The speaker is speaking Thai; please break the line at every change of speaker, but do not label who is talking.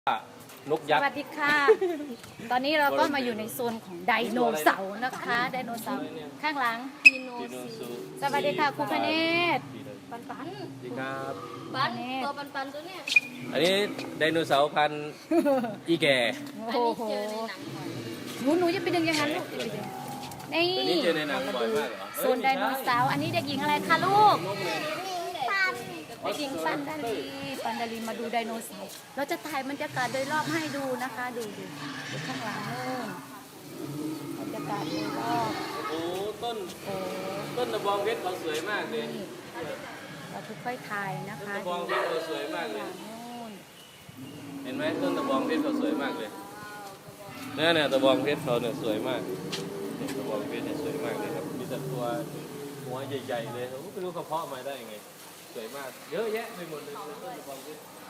นกยักษ์
สวัสดีค่ะ ตอนนี้เราก็มาอยู่ในโซนของไดโนเสาร์นะคะ ไดโนเสาร์ข้างหลัง
พีโนซี
สวัสดีค่ะครูพเนศ
ปันปัน
สวัสดีครับ
ปันตัวปันปันตัวเนี้ย
อันนี้ไดโนเสาร์พันธุ์อีแก่
อัน
โอ้
นี้
โห
เจอในหนังบ่อย
หนูจะไปดึงอย่างนั้นลูกอย่าไปดึงนี่
ตัวนี้เจอในหนังบ่อยมากเหรอ
โซนไดโนเสาร์อันนี้เด็กหญิงอะไรคะลูก
ปัน
เด็กหญิงปันดาลีมาดูไดโนเสาร์เราจะถ่ายบรรยากาศโดยรอบให้ดูนะคะ ดูข้างหลังนู่นบรรยากาศโดยรอบ
โอ้ต้น
โอ้
ต้นตะบองเพชรเขาสวยมากเลย
นี่เราค่อยๆถ่ายนะ
ต้น
คะ
ตะบองเพชรเขาสวยมากเลย
นู่น
เห็นไหมต้นตะบองเพชรเขาสวยมากเลยเนี่ยตะบองเพชรเขาเนี่ยสวยมากเนี่ยตะบองเพชรเนี่ยสวยมากเลยครับมีแต่ตัวหัวใหญ่ๆเลยโอ้ไม่รู้เขาเพาะมาได้ยังไงสวยมากเยอะแยะไปหมดเลยต้นตะบองเพชร